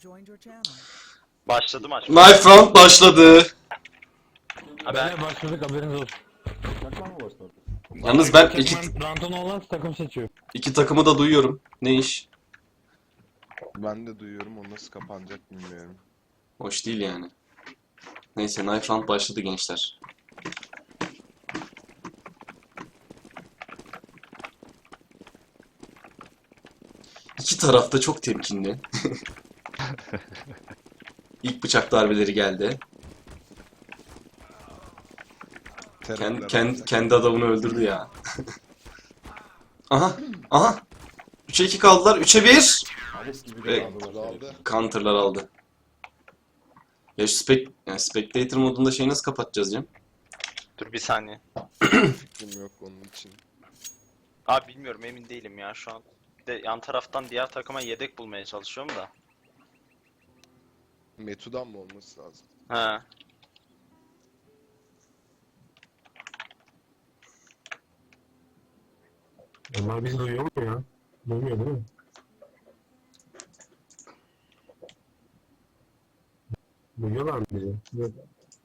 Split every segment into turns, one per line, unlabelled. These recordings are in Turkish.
Başladı maç.
Knife round başladı.
Ben
Başladık, haberiniz olsun.
Yalnız ben
Random olan takım seçiyor.
iki takımı da duyuyorum. Ne iş?
Ben de duyuyorum, o nasıl kapanacak bilmiyorum.
Hoş değil yani. Neyse knife round başladı gençler. İki taraf da çok temkinli. İlk bıçak darbeleri geldi. Kendi adamını öldürdü ya. Aha, aha. 3'e 2 kaldılar. 3'e 1. Ve counter'lar aldı. Ya şu yani spectator modunda şeyi nasıl kapatacağız Cem?
dur bir saniye.
Fikrim yok onun için.
Abi bilmiyorum, emin değilim ya şu an. Bir de yan taraftan diğer takıma yedek bulmaya çalışıyorum da.
Metu'dan mı olması lazım?
He.
Onlar bizi duyuyor mu ya? Duymuyor değil mi? Duyuyorlar mı bizi? Yok.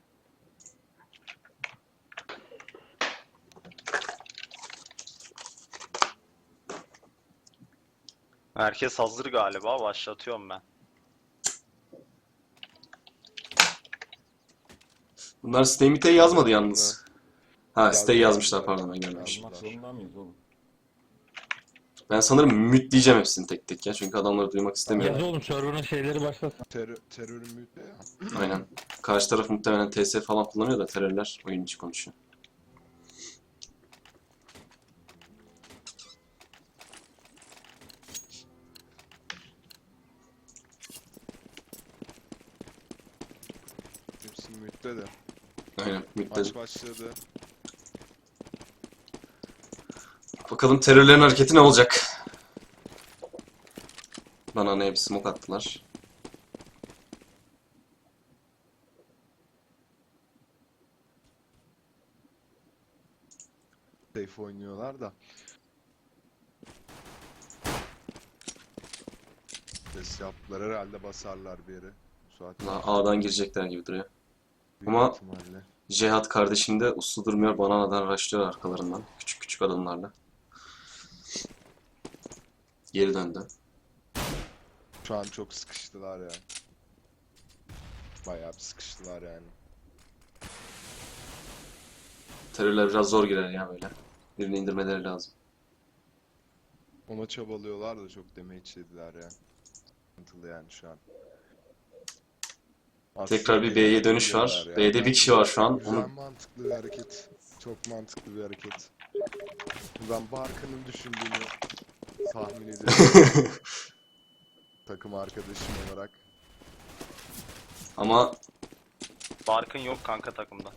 Herkes hazır galiba, başlatıyorum ben.
Bunlar stay mite'e yazmadı yalnız. Ha stay yazmışlar, pardon ben görmemişim.
Yazmak zorunda mıyız oğlum?
Ben sanırım mute diyeceğim hepsini tek tek ya. Çünkü adamları duymak
Yaz
istemiyorum.
oğlum, server'ın şeyleri başlasın.
Terörün müydü ya?
Aynen. Karşı taraf muhtemelen TS falan kullanıyor da terörler oyun içi konuşuyor.
Hepsi mütte de.
Aynen mute'de.
Maç başladı.
Bakalım terörlerin hareketi ne olacak? Bana ne bir smoke attılar.
Safe oynuyorlar da. Ses yaptılar, herhalde basarlar bir yere. Bu saatten sonra
A'dan girecekler gibi duruyor.
büyük
ama-
ihtimalle.
Cihat kardeşim de uslu durmuyor. Bananadan rushlıyor arkalarından. Küçük küçük adımlarla. Geri döndü.
Şu an çok sıkıştılar ya. Bayağı bir sıkıştılar yani.
Terörler biraz zor girer ya böyle. Birini indirmeleri lazım.
Ona çabalıyorlar da çok damage yediler ya. Sıkıntılı yani şu an.
Tekrar bir B'ye dönüş var.
Geliyorlar ya.
B'de bir kişi var şu an.
Güzel,
Onu
mantıklı bir hareket. Çok mantıklı bir hareket. Ben Barkın'ın düşündüğünü tahmin ediyorum. Takım arkadaşım olarak.
ama
Barkın yok kanka takımda.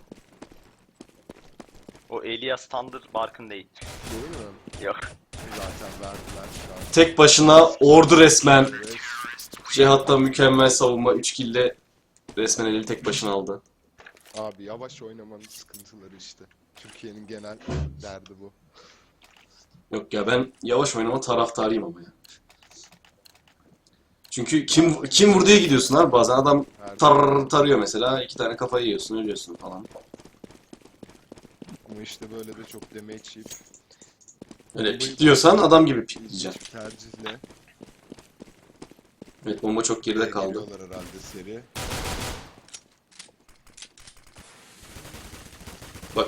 O Elias Thunder Barkın değil.
Değil mi?
Yok.
Zaten verdiler şu an.
tek başına ordu resmen.
Evet.
Cihat'ta mükemmel savunma. 3 kill'le resmen eli tek başına aldı.
Abi yavaş oynamanın sıkıntıları işte. Türkiye'nin genel derdi bu.
Yok ya, ben yavaş oynama taraftarıyım ama ya. Çünkü kim vurduya gidiyorsun abi, bazen adam tarıyor mesela, 2 tane kafayı yiyorsun, ölüyorsun falan.
Ama işte böyle de çok damage yiyip
Öyle pikliyorsan adam gibi pikleyeceksin.
ilginç bir tercihle
Evet, bomba çok geride kaldı.
geliyorlar herhalde seri.
Bak,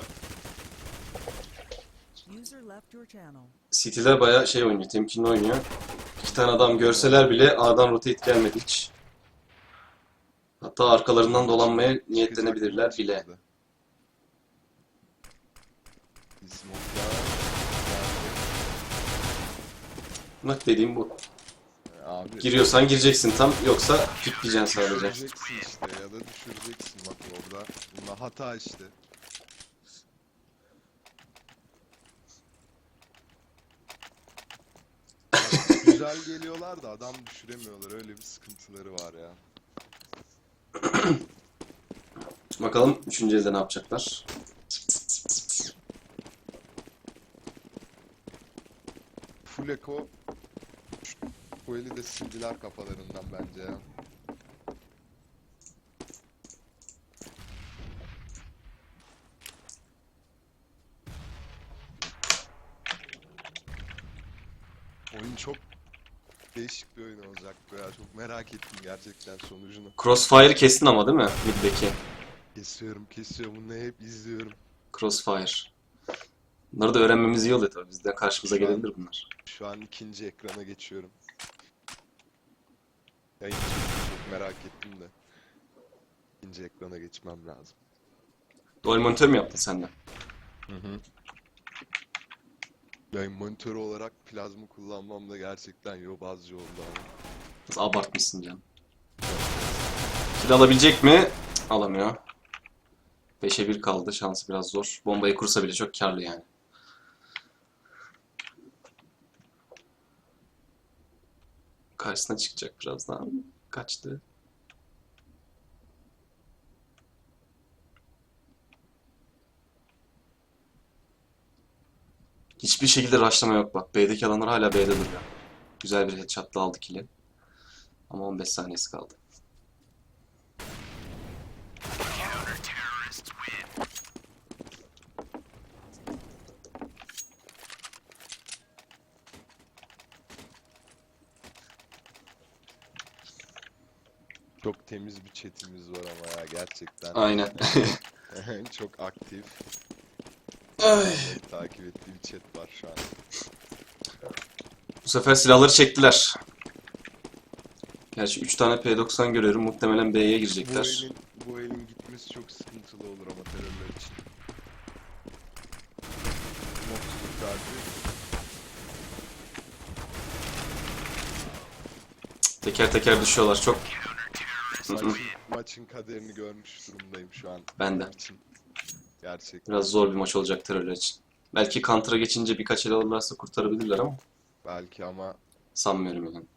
City'ler bayağı şey oynuyor, temkinli oynuyor. 2 tane adam görseler bile A'dan rotate gelmedi hiç. Hatta arkalarından dolanmaya niyetlenebilirler bile. Bak dediğim bu.
Abi
Giriyorsan gireceksin tam, yoksa pikleyeceksin sadece.
düşüreceksin işte ya da düşüreceksin bak orada. Bunda hata işte. Güzel geliyorlar da adam düşüremiyorlar. Öyle bir sıkıntıları var ya.
Bakalım 3. elde ne yapacaklar.
Full Echo bu eli de sildiler kafalarından bence ya. değişik bir oyun olacak bu ya. Çok merak ettim gerçekten sonucunu.
Crossfire'ı kestin ama değil mi? Mid'deki.
Kesiyorum. Bunu hep izliyorum.
Crossfire. Bunları da öğrenmemiz iyi oluyor tabii. Bizden karşımıza
Şu an-
gelebilir bunlar.
Şu an ikinci ekrana geçiyorum. Yayın çok merak ettim de. İkinci ekrana geçmem lazım.
Dual monitör mü yaptın sen de?
Yayın monitörü olarak plazma kullanmam da gerçekten yobazcı oldu ama.
Biraz abartmışsın canım. Kill alabilecek mi? Cık, alamıyor. 5'e 1 kaldı. Şansı biraz zor. Bombayı kursa bile çok karlı yani. Karşısına çıkacak birazdan. Kaçtı. Hiçbir şekilde rushlama yok bak. B'deki adamlar hala B'de duruyor. Güzel bir headshot'la aldı kill'i. Ama 15 saniyesi kaldı.
Çok temiz bir chatimiz var ama ya gerçekten.
Aynen.
Çok aktif.
Ay.
Takip ettiğim chat var şu an.
Bu sefer silahları çektiler. Gerçi 3 tane P90 görüyorum. Muhtemelen B'ye girecekler.
Bu elin gitmesi çok sıkıntılı olur ama terörler için. Noktalık tercih.
Teker teker düşüyorlar. Çok.
Maçın kaderini görmüş durumdayım şu an.
Ben de.
Benim için. Gerçekten.
Biraz zor bir maç olacak terörler için. Belki Counter'a geçince birkaç el alırlarsa kurtarabilirler ama
Belki ama
sanmıyorum yani.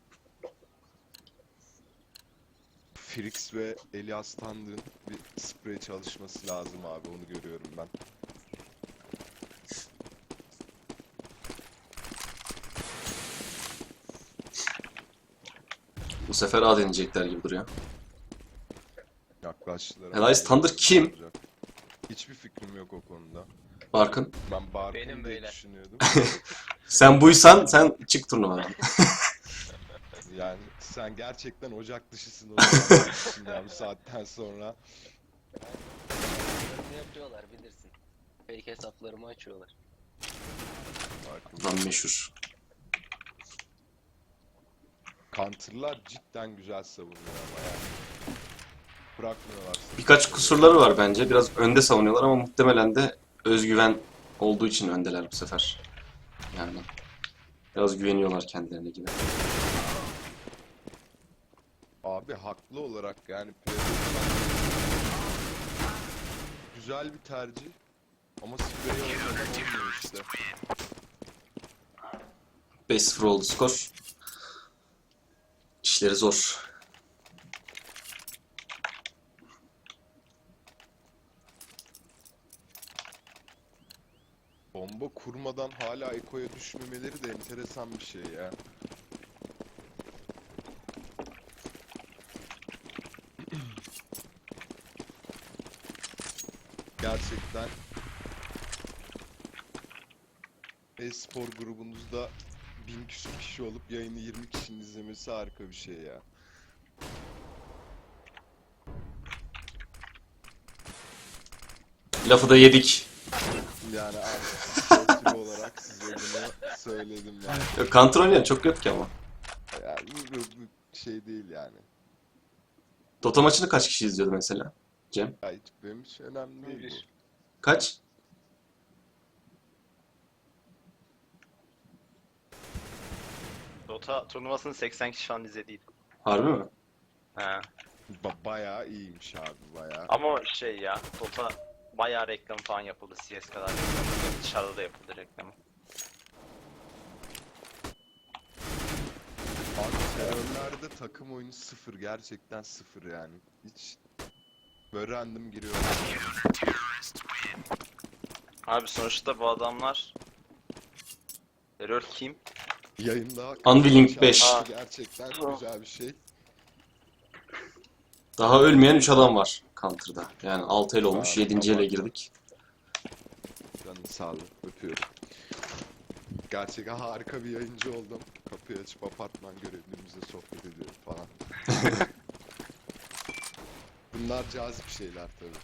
Frix ve Elias Tandır'ın bir sprey çalışması lazım abi, onu görüyorum ben.
Bu sefer A deneyecekler gibi duruyor.
Yaklaştılar.
Elias Thunder kim?
Olacak. Hiçbir fikrim yok o konuda.
Barkın.
Ben Barkın
Benim
diye
beyler.
düşünüyordum.
Sen buysan sen çık turnuvadan.
Yani sen gerçekten ocak dışısın o zaman ya bu saatten sonra.
Ne yapıyorlar bilirsin. Fake hesaplarımı açıyorlar.
Barkın.
Adam meşhur.
Counter'lar cidden güzel savunuyor ama yani. Bırakmıyorlar.
Birkaç kusurları var bence. Biraz önde savunuyorlar ama muhtemelen de özgüven olduğu için öndeler bu sefer. Yani biraz güveniyorlar kendilerine gibi.
Abi haklı olarak yani güzel bir tercih ama sprey olmadan olmuyor işte.
5-0 oldu skor. İşleri zor.
Bomba kurmadan hala ekoya düşmemeleri de enteresan bir şey ya. Gerçekten e-spor grubunuzda 1000 küsur kişi olup yayını 20 kişinin izlemesi harika bir şey ya.
Lafı da yedik.
Yani abi sportif olarak size bunu söyledim yani.
Yok, Counter oynayan çok yok ki ama.
Yani bu şey değil yani.
Dota maçını kaç kişi izliyordu mesela? Cem?
Ya hiç benim için önemli değil bu.
Kaç?
Dota turnuvasını 80 kişi falan izlediydi.
Harbi mi?
He.
Bayağı iyiymiş abi, bayağı.
Ama şey ya, Dota bayağı reklam falan yapıldı. CS kadar reklam. Dışarıda da yapıldı reklamı.
Abi terörlerde takım oyunu sıfır, gerçekten sıfır yani. Hiç böyle random giriyor.
Abi sonuçta bu adamlar... Terör kim?
Yayında
Unwilling 5.
şarkısı gerçekten güzel bir şey.
Daha ölmeyen 3 adam var Counter'da. Yani 6 el olmuş.
Abi,
7. ele girdik.
Canın sağlığı, öpüyorum. Gerçekten harika bir yayıncı oldum. Kapıyı açıp apartman görevlimizle sohbet ediyorum falan. Bunlar cazip şeyler tabii.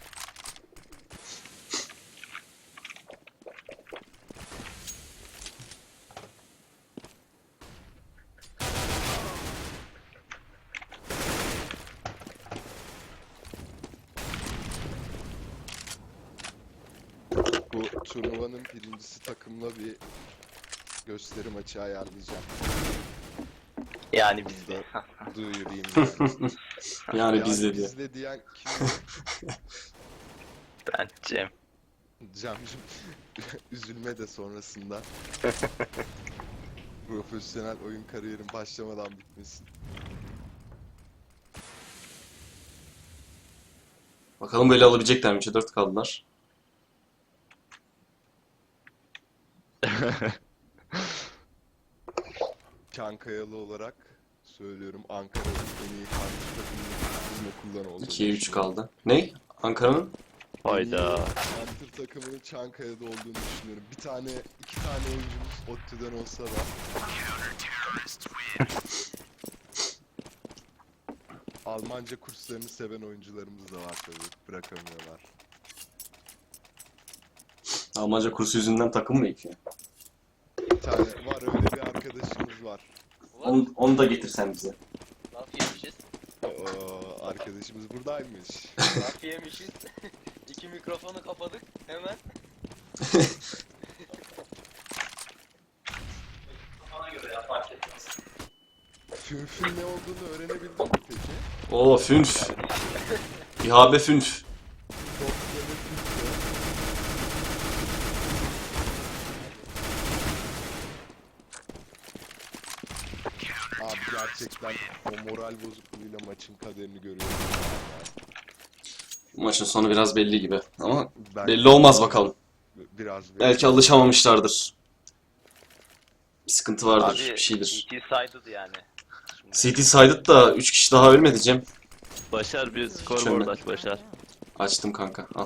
Bu turnuvanın birincisi takımla bir gösteri maçı ayarlayacağım.
Yani bizde.
Duyurayım yani.
Yani bizde diyor.
bizde diyen kim?
Ben Cem.
Cem'cim üzülme de sonrasında. Profesyonel oyun kariyerin başlamadan bitmesin.
Bakalım böyle alabilecekler mi? 3'e 4 kaldılar.
Çankayalı olarak söylüyorum, Ankara'nın en iyi karşı takımının bizim okuldan olduğunu
2'ye 3
düşünüyorum.
kaldı. Ne? Ankara'nın?
Hayda.
Hunter takımının Çankaya'da olduğunu düşünüyorum. İki tane oyuncumuz ODTÜ'den olsa da. Almanca kurslarını seven oyuncularımız da var tabii. Bırakamıyorlar.
Almanca kursu yüzünden takım mı ekiyor?
Bir tane var, öyle bir arkadaşımız var.
Onu da getirsen bize.
Laf yemişiz.
Oo, arkadaşımız buradaymış.
Laf yemişiz. İki mikrofonu kapadık hemen.
Fünfün ne olduğunu öğrenebildin mi peki?
Oo fünf. İHB fünf.
Çok böyle fünfü. Abi gerçekten o moral bozukluğuyla maçın kaderini görüyorum.
Bu maçın sonu biraz belli gibi. Ama
Ben
belli olmaz bakalım.
biraz
Belki alışamamışlardır. Bir sıkıntı vardır,
Abi
bir şeydir.
CT saydı yani. Şimdi.
CT saydık da 3 kişi daha ölmedi Cem.
Başar bir
Hiç
scoreboard
ölmedi.
aç Başar.
Açtım kanka. Al.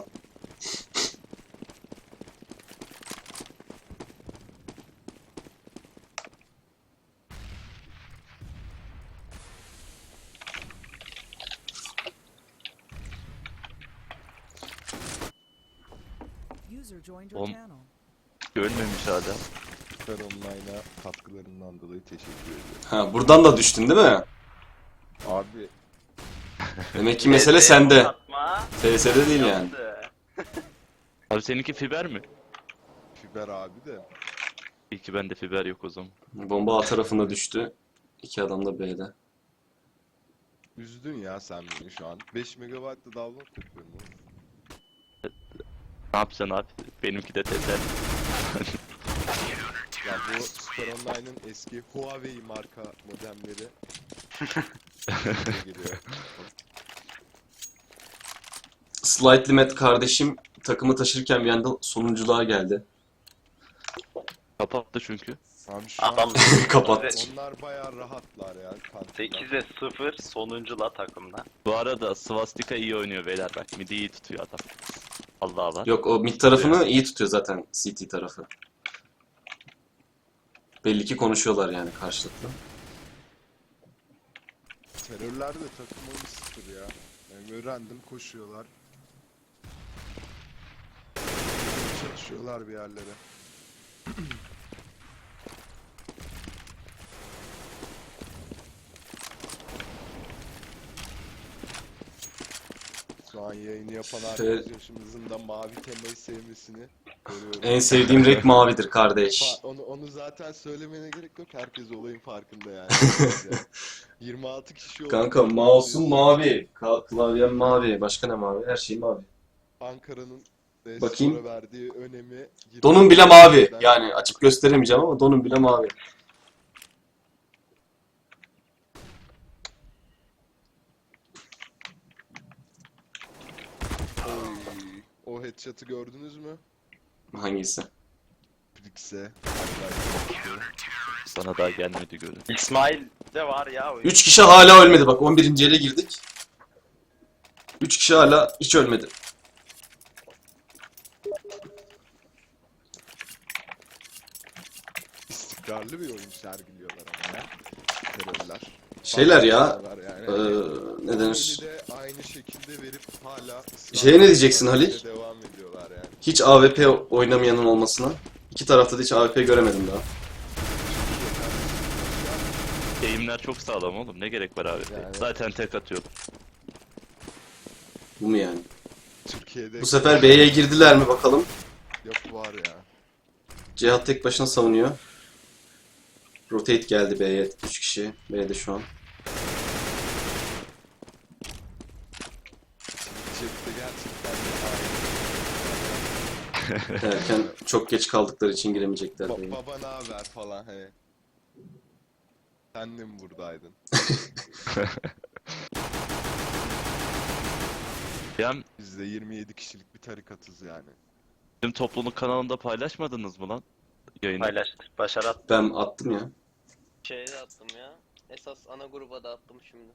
User joined your
Oğlum.
channel.
Ölmemiş hala.
Süper Online'a katkılarından dolayı teşekkür ediyorum.
Ha, buradan da düştün değil mi?
Abi
Demek ki mesele sende.
Atma.
TS'de değil yani.
Yaptı.
Abi seninki fiber mi?
Fiber abi de.
İyi ki bende fiber yok o zaman.
Bomba A tarafında düştü. 2 adam da B'de.
Üzdün ya sen beni şu an. 5 MB da download yapıyorum oğlum.
Ne yapacaksın abi? Benimki de teser.
Ya bu Super Online'ın eski Huawei marka modemleri geliyor.
Slightly Mad kardeşim takımı taşırken bir anda sonunculuğa geldi.
Kapattı çünkü.
Abi şu an
Adam
Kapattı.
onlar bayağı rahatlar ya kanka.
8'e 0 sonuncula takımda.
Bu arada Swastika iyi oynuyor beyler bak. Midi iyi tutuyor adam. Allah var.
Yok o mid tarafını iyi tutuyor zaten CT tarafı. Belli ki konuşuyorlar yani karşılıklı.
Terörler de takım oyunu sıfır ya. Yani random koşuyorlar. Çalışıyorlar bir yerlere. Şu an yayını yapan arkadaşımızın da mavi temayı sevmesini görüyorum.
En sevdiğim renk mavidir kardeş.
Onu zaten söylemene gerek yok. Herkes olayın farkında yani. 26 kişi oldu.
Kanka mouse'um mavi, klavyem mavi, başka ne mavi? Her şey mavi.
Ankara'nın
Bakayım.
spora verdiği önemi.
Donum bile mavi. Yani açıp gösteremeyeceğim ama donum bile mavi.
Oy, o headshot'ı gördünüz mü?
Hangisi?
Brix'e.
Bana daha gelmedi görün.
İsmail de var ya oyun.
3 kişi hala ölmedi bak 11. ele girdik. 3 kişi hala hiç ölmedi.
istikrarlı bir oyun sergiliyorlar ama ya. Terörler.
Şeyler ya.
Yani.
Ne denir?
De aynı şekilde verip hala
Şeye ne diyeceksin Halil?
devam ediyorlar yani.
Hiç AWP oynamayanın olmasına. İki tarafta da hiç AWP göremedim daha.
Eğimler çok sağlam oğlum. Ne gerek var abi?
Yani.
Zaten tek atıyor.
Bu mu yani?
Türkiye'de
Bu sefer B'ye girdiler mi bakalım.
yok var ya.
Cihat tek başına savunuyor. Rotate geldi B'ye. 3 kişi B'de şu an.
Cepte gerçekten
Derken çok geç kaldıkları için giremeyecekler B'ye.
baba ne haber falan he. Sen de mi buradaydın?
Yani
Biz de 27 kişilik bir tarikatız yani.
bizim topluluk kanalında paylaşmadınız mı lan? Yayını.
Paylaştık. Başar at.
Ben attım ya.
Şeye de attım ya. Esas ana gruba da attım şimdi.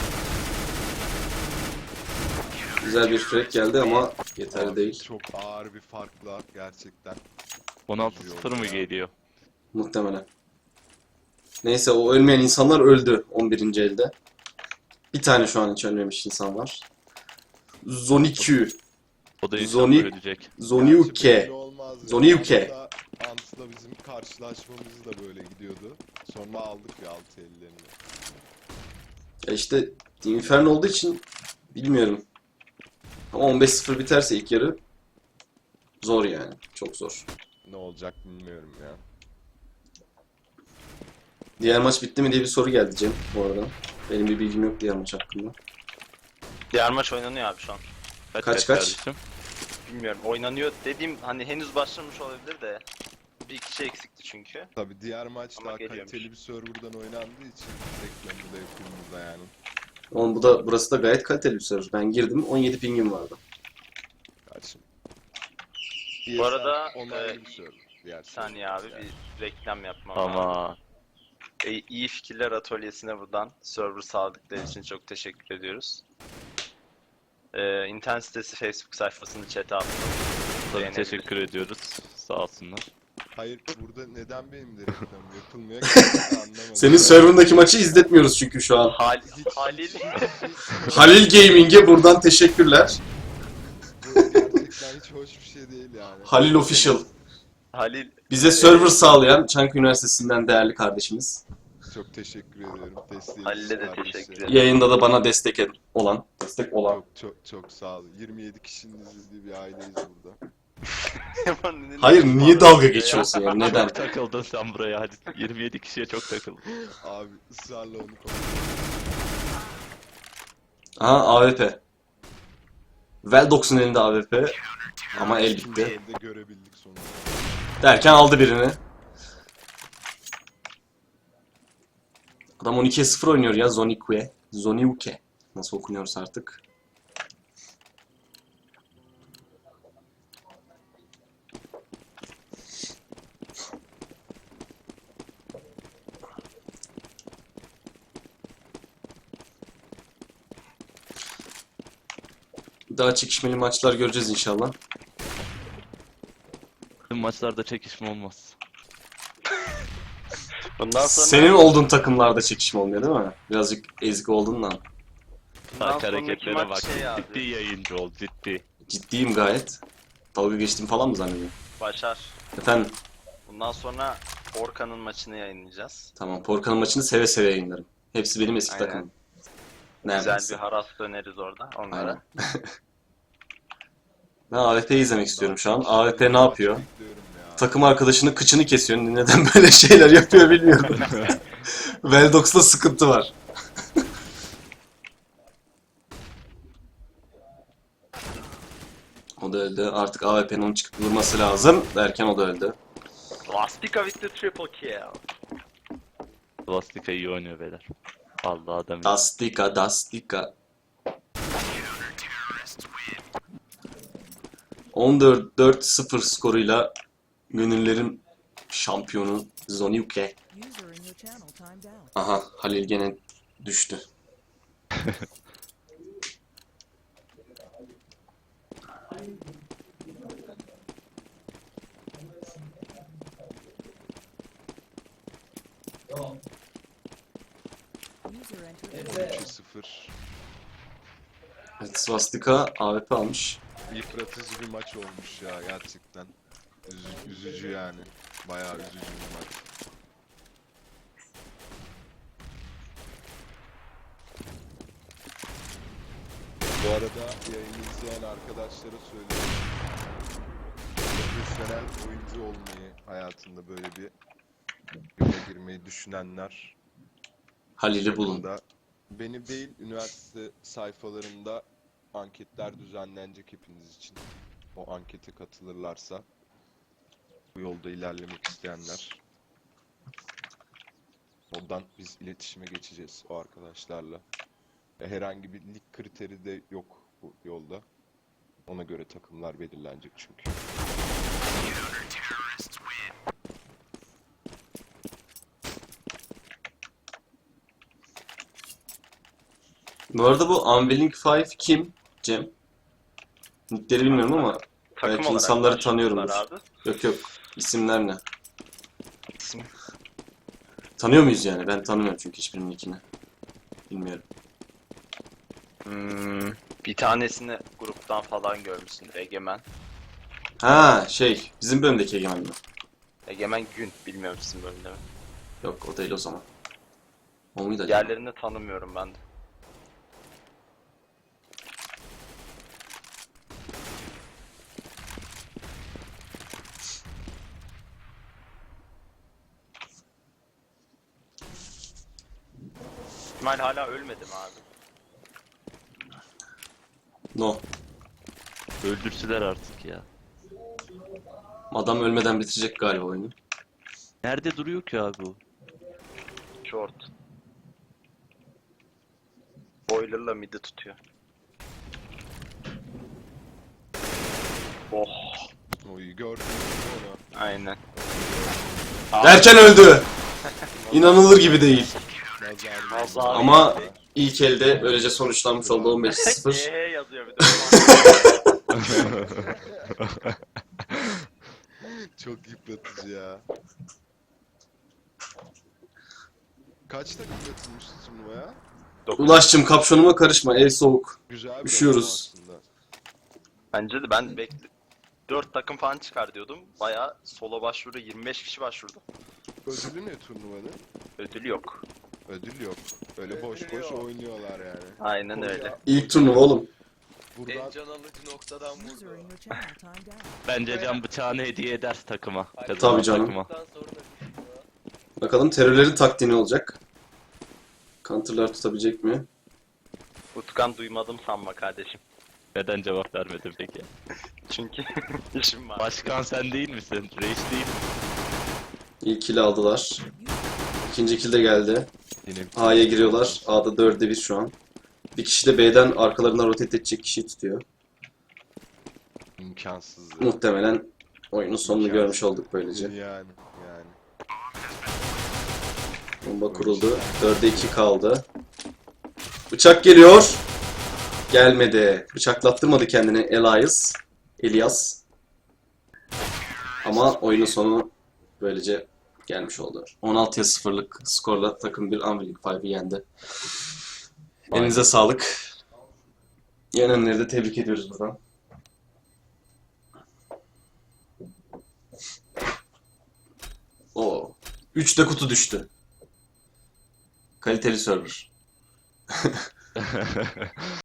Güzel bir frag geldi ama yeterli
Abi,
değil.
çok ağır bir farkla gerçekten.
16-0 mı geliyor?
Muhtemelen. Neyse o ölmeyen insanlar öldü 11. elde. Bir tane şu an hiç ölmemiş insan var. Zonikyu.
O da
Zoni-
inşallah ölecek.
Gerçi
Zoniuke.
belli olmaz ya.
Zoniuke.
Ant'la bizim karşılaşmamız da böyle gidiyordu. Sonra aldık ya 6 ellerini.
Ya işte Inferno olduğu için bilmiyorum. Ama 15-0 biterse ilk yarı zor yani. Çok zor.
Ne olacak bilmiyorum ya.
Diğer maç bitti mi diye bir soru geldi Cem bu arada. Benim bir bilgim yok diğer maç hakkında.
Diğer maç oynanıyor abi şu an.
Kaç?
kardeşim?
Bilmiyorum. Oynanıyor dediğim hani henüz başlamış olabilir de. Bir kişi eksikti çünkü.
Tabi diğer maç
Ama
daha
geliyormuş.
kaliteli bir serverdan oynandığı için reklamı da yapımında yani.
Oğlum burası da gayet kaliteli bir server. Ben girdim 17 pingim vardı.
Karşım.
Bu arada,
onaylı bir server. Diğer
Bir saniye abi
server yani.
bir reklam yapmam lazım.
Ama
İyi Fikirler Atölyesi'ne buradan server sağladıkları için çok teşekkür ediyoruz. İnternet sitesi Facebook sayfasını chat'e attım.
tabii
Beğenebilir.
teşekkür ediyoruz. Sağ olsunlar.
Hayır burada neden benim de reklamım yapılmıyor gerçekten anlamadım.
Senin serverındaki maçı izletmiyoruz çünkü şu an.
Halil.
Halil Gaming'e buradan teşekkürler.
Bu gerçekten hiç hoş bir şey değil yani.
Halil Official.
Halil.
Bize server sağlayan Çankaya Üniversitesi'nden değerli kardeşimiz.
Çok teşekkür ediyorum. Desteğiniz
Halil'e de
kardeşlerim.
teşekkür ederim.
Yayında da bana destek olan. Destek olan.
Çok sağ olun. 27 kişinin izlediği bir aileyiz burada.
Hayır niye dalga geçiyorsun yani neden?
Çok takıldın sen buraya hadi. 27 kişiye çok takıldın.
Abi ısrarla onu konuş.
Aha AWP. Veldox'un elinde AWP ama el
İkinci
bitti.
elde görebildik sonunda.
Derken aldı birini. Adam 12'ye 0 oynuyor ya Zoniuke. Zoniuke. Nasıl okunuyorsa artık. Daha çekişmeli maçlar göreceğiz inşallah.
Tüm maçlarda çekişme olmaz.
Bundan sonra
Senin olduğun takımlarda çekişme olmuyor değil mi? Birazcık ezik olduğundan.
bundan
Bak
sonraki
hareketlere
maç
bak.
şey abi.
Ciddi yayıncı ol ciddi.
Ciddiyim gayet. Dalga geçtiğim falan mı zannediyorsun?
Başar.
Efendim
Bundan sonra Orkan'ın maçını yayınlayacağız.
tamam Porkan'ın maçını seve seve yayınlarım. Hepsi benim eski
Aynen.
takımım.
Güzel
Neredeyse.
bir haras döneriz orada onlara.
Aynen. Ben AWP'yi izlemek istiyorum şu an. AWP ne yapıyor?
Bekliyorum ya.
Takım arkadaşının kıçını kesiyor. Neden böyle şeyler yapıyor bilmiyorum. Veldox'ta sıkıntı var. O da öldü. Artık AWP'nin onu çıkıp vurması lazım. Derken o da öldü.
Lastika with the triple kill.
Plastika iyi oynuyor beyler. Vallahi adam iyi.
Dastika, Dastika. 14-4-0 skoruyla gönüllerin şampiyonu Zoniuke.
User in your channel timed out.
Aha Halil gene düştü.
Enter
13'e 0.
Evet, Swastika AWP almış.
Yıpratıcı bir maç olmuş ya gerçekten. Üzücü yani. Bayağı üzücü bir maç. Bu arada yayını izleyen arkadaşlara söylüyorum. Profesyonel oyuncu olmayı hayatında böyle bir yola girmeyi düşünenler
Halil'i bulun.
yakında benim değil üniversite sayfalarında anketler düzenlenecek hepiniz için. O ankete katılırlarsa bu yolda ilerlemek isteyenler oradan biz iletişime geçeceğiz o arkadaşlarla. Herhangi bir lig kriteri de yok bu yolda. Ona göre takımlar belirlenecek çünkü.
Bu arada bu Unwilling Five kim Cem? Nickleri bilmiyorum ama
Takım
belki
olarak
insanları
başladılar
tanıyorumdur.
Abi.
Yok yok. İsimler ne?
İsim.
Tanıyor muyuz yani? Ben tanımıyorum çünkü hiçbirinin nickini. Bilmiyorum.
Bir tanesini gruptan falan görmüşsündür. Egemen.
Ha bizim bölümdeki Egemen mi?
Egemen Gün. Bilmiyorum sizin bölümde mi?
Yok o değil o zaman. O muydu acaba?
Diğerlerini tanımıyorum ben de. İsmail hala ölmedi mi abi?
No.
Öldürsüler artık ya.
Adam ölmeden bitirecek galiba oyunu.
Nerede duruyor ki abi o?
Short. Boiler'la mid'i tutuyor. Oh,
Oyu gördünüz mü onu?
aynen.
Derken öldü. İnanılır gibi değil.
Nazar
Nazar.
Ama ilk elde böylece sonuçlanmış oldu 15-0.
Yazıyor bir de.
Çok yıpratıcı ya. Kaç takım katılmıştı turnuvaya?
Ulaşçım kapşonuma karışma ev soğuk.
Güzel bir
Üşüyoruz.
rakam aslında.
Bence de ben 4 takım falan çıkar diyordum. Bayağı solo başvuru 25 kişi başvurdu.
Ödülü ne turnuvanın?
Ödül yok.
Ödül yok. Öyle boş boş oynuyorlar yani.
Aynen öyle.
İlk turnuva oğlum.
Buradan
can alıcı noktadan
User
vurdu.
in your channel timed out.
Bence can bıçağını hediye eder takıma. Kazanan
Tabii canım.
takıma.
Sonra da düşüyor.
Bakalım terörlerin taktiği ne olacak? Counter'lar tutabilecek mi?
Utkan duymadım sanma kardeşim.
Neden cevap vermedin peki?
Çünkü işim var.
Başkan sen değil misin? Reis değil mi?
İlk kill aldılar. İkinci kill de geldi.
yine bir
A'ya giriyorlar. A'da 4'e 1 şu an. Bir kişi de B'den arkalarından rotate edecek kişiyi tutuyor.
imkansız. ya.
Muhtemelen oyunun sonunu görmüş olduk böylece.
Yani.
Bomba kuruldu. 4'e 2 kaldı. Bıçak geliyor. Gelmedi. Bıçaklattırmadı kendini Elias. Ama oyunun sonu böylece gelmiş oldu. 16'ya 0'lık skorla takım bir Unwilling Five'ı yendi. Elinize sağlık. Yenenleri de tebrik ediyoruz buradan. Oo. 3'te kutu düştü. Kaliteli server.